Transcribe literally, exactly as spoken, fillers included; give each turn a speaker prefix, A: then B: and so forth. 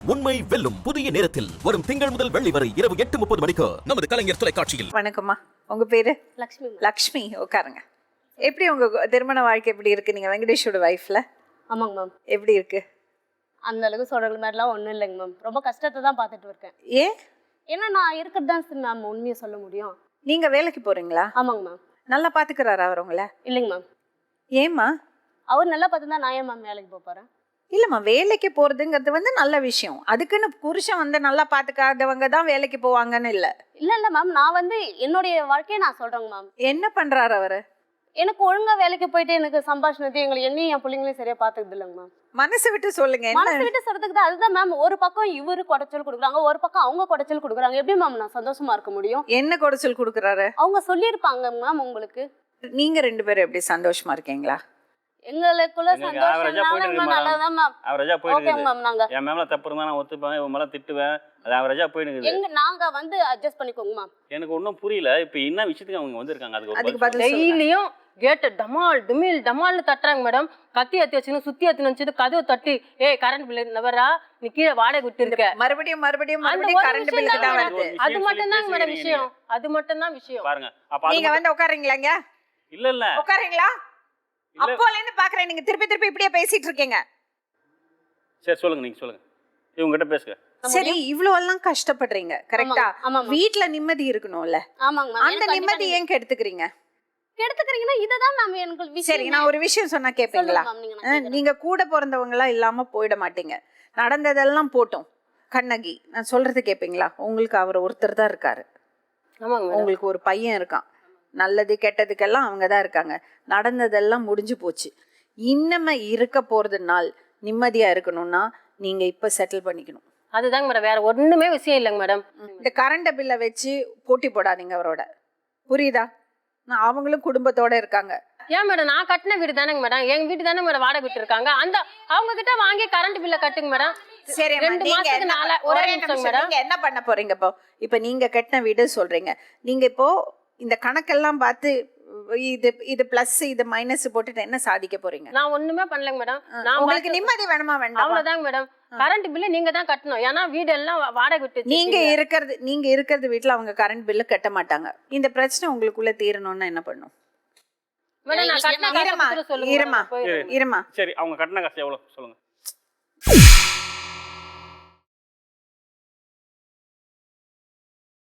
A: உண்மை வெல்லும் புதிய நேரத்தில் வரும் திங்கள் முதல் வெள்ளி வரை இரவு எட்டு முப்பது மணிக்கு நமது கலைஞர் தொலைக்காட்சியில்.
B: வணக்கம்மா, உங்க பேரு?
C: லக்ஷ்மி.
B: லக்ஷ்மி, உட்காருங்க. எப்படி உங்க திருமண வாழ்க்கை எப்படி இருக்கு? நீங்க வெங்கடேஷோட வைஃப்ல?
C: ஆமாங்க மேம்.
B: எப்படி இருக்கு?
C: அந்த அளவுக்கு சொல்ற மாதிரிலாம் ஒன்றும் இல்லைங்க மேம். ரொம்ப கஷ்டத்தை தான் பார்த்துட்டு இருக்கேன்.
B: ஏன்?
C: ஏன்னா நான் இருக்கிறது தான் மேம் உண்மையை சொல்ல முடியும்.
B: நீங்க வேலைக்கு போறீங்களா?
C: ஆமாங்க மேம்.
B: நல்லா பாத்துக்கிறாரா அவர் உங்களை?
C: இல்லைங்க மேம்.
B: ஏம்மா?
C: அவர் நல்லா பார்த்து தான் நான் ஏன் மேம் வேலைக்கு போறேன்?
B: இல்லம்மா, வேலைக்கு போறதுங்கிறது வந்து நல்ல விஷயம். அதுக்குன்னு புருஷன் வந்து நல்லா பாத்துக்காதவங்க தான் வேலைக்கு போவாங்கன்னு இல்ல.
C: இல்ல இல்ல மேம், நான் வந்து என்னுடைய வாழ்க்கையை நான் சொல்றேங்க மேம்.
B: என்ன பண்றாரு அவரு?
C: எனக்கு ஒழுங்கா வேலைக்கு போயிட்டு எனக்கு சம்பாஷணத்தை எங்களை என்னையும் என் பிள்ளைங்களையும் சரியா பாத்துக்குது இல்லைங்க மேம்.
B: மனசு விட்டு சொல்லுங்க.
C: மனசு விட்டு சொல்றதுக்கு தான் அதுதான் மேம். ஒரு பக்கம் இவரு குடைச்சல் கொடுக்குறாங்க, ஒரு பக்கம் அவங்க குடைச்சல் கொடுக்குறாங்க. எப்படி மேம் நான் சந்தோஷமா இருக்க முடியும்?
B: என்ன குடைச்சல் கொடுக்குறாரு?
C: அவங்க சொல்லியிருப்பாங்க மேம் உங்களுக்கு.
B: நீங்க ரெண்டு பேரும் எப்படி சந்தோஷமா இருக்கீங்களா?
C: எங்களுக்குள்ள சந்தோஷம் நல்லதான் மேம்.
D: அவரேஜா
C: ஓகே
D: போயிடுது.
C: மேம். நாங்க
D: என் மேல தப்பு இருந்தா நான் ஒத்துப்பேன், இவன் மேல திட்டுவேன். அது அவரேஜா போயிடுது.
C: எங்க நாங்க வந்து அட்ஜஸ்ட் பண்ணிக்கோங்க மேம்.
D: எனக்கு ஒன்றும் புரியல. இப்போ என்ன விஷயத்துக்கு அவங்க வந்திருக்காங்க? அதுக்கு ஒரு
B: அதுக்கு
D: பதில்
B: பதில் சொல்லுங்க.
E: டெய்லியும் கேட்டு டமால் டுமில் டமால்னு தட்டுறாங்க மேடம். கத்தி அத்தி வச்சுன்னு சுத்தி அத்தி வச்சுட்டு கதவை தட்டி, ஏய் கரண்ட் பில் நவரா, நீ கீழே வாடகை விட்டு இருக்க.
B: மறுபடியும் மறுபடியும்
E: அந்த
B: மறுபடியும்
E: ஒரு
B: கரண்ட்
E: விஷயம்
B: பில்லுக்கு தான்
E: தான்
B: வருது.
D: ஒரு
E: அது மட்டும் தான் மேடம்
D: பேசுறீங்க
E: விஷயம். அது மட்டும் தான் விஷயம்.
D: பாருங்க. அப்ப அது
B: நீங்க
D: மட்டும்-
B: வந்து உட்காருங்களாங்க?
D: இல்ல இல்ல
B: உட்காருங்களா?
D: இல்ல.
B: அப்போல இருந்து பாக்குறேன் நீங்க திருப்பி திருப்பி இப்படியே பேசிட்டு இருக்கீங்க.
D: சரி சொல்லுங்க, நீங்க சொல்லுங்க. இவங்க கிட்ட பேசுங்க.
B: சரி, இவ்வளவு எல்லாம் கஷ்டப்படுறீங்க, கரெக்டா?
C: ஆமா மேம்.
B: வீட்ல நிம்மதி இருக்கணும்ல,
C: ஆமாங்க மேம்.
B: அந்த நிம்மதி ஏன் கெடுத்துக்கிறீங்க?
C: கெடுத்துக்கிறீங்கன்னா இததான் மேம் எனக்கு விஷயம்.
B: சரி, நான் ஒரு விஷயம் சொன்னா கேப்பீங்களா?
C: சொல்லுங்க மேம், நீங்க நான்
B: அஹ்,
C: கேக்குறேன்.
B: நீங்க கூட பிறந்தவங்களா இல்லாம போயிட மாட்டீங்க. நடந்ததெல்லாம் போட்டோம். கண்ணகி, நான் சொல்றது கேப்பீங்களா? உங்களுக்கு அவர் ஒருத்தர் தான் இருக்காரு.
E: ஆமாங்க மேடம்.
B: உங்களுக்கு ஒரு பையன் இருக்கான். நல்லது கெட்டதுக்கெல்லாம் அவங்க தான் இருக்காங்க. நடந்ததெல்லாம் முடிஞ்சு போச்சு. இன்னமே இருக்க போறது நாள் நிம்மதியா இருக்கணும்னா நீங்க இப்ப செட்டில் பண்ணிக்கணும்.
E: அதுதாங்க மேடம், வேற ஒண்ணுமே விஷயம் இல்லைங்க மேடம்.
B: இந்த கரண்ட் பில்லை வச்சு போட்டி போடாதீங்க அவரோட, புரியுதா? நான் அவங்களும் குடும்பத்தோட இருக்காங்க.
E: ஏன் மேடம், நான் கட்டின வீடு தானேங்க மேடம். எங்க வீட்டு தானே மேடம் வாடகை விட்டு இருக்காங்க. அந்த அவங்க கிட்ட வாங்கி கரண்ட் பில்ல கட்டுங்க மேடம்.
B: சரி,
E: ரெண்டு மாசத்துக்கு நாளா ஒரே நிமிஷம் மேடம்.
B: நீங்க என்ன பண்ண போறீங்க இப்போ? இப்ப நீங்க கட்டின வீடு சொல்றீங்க. நீங்க இப்போ இந்த கணக்கெல்லாம் பார்த்து இது இது பிளஸ் இது மைனஸ் போட்டுட்டு என்ன சாதிக்க போறீங்க?
E: நான் ஒண்ணுமே பண்ணலங்க மேடம். நான்
B: உங்களுக்கு நிம்மதி வேணுமா வேண்டாமா?
E: அவ்வளவுதாங்க மேடம். கரண்ட் பில்லு நீங்க தான் கட்டணும். ஏன்னா வீடு எல்லாம் வாடகை விட்டு
B: நீங்க இருக்கிறது நீங்க இருக்கிறது வீட்டுல அவங்க கரண்ட் பில்லு கட்ட மாட்டாங்க. இந்த பிரச்சனை உங்களுக்குள்ள தீரணும்னா என்ன பண்ணும்?
E: மேடம் நான் கட்டின
B: இருமா
E: காசை கொடுத்துட்டு சொல்லுங்க
B: இருமா
E: மேடம். போயிடுறேன்.
B: இருமா
D: சரி, அவங்க கட்டின காசு எவ்வளவு சொல்லுங்க.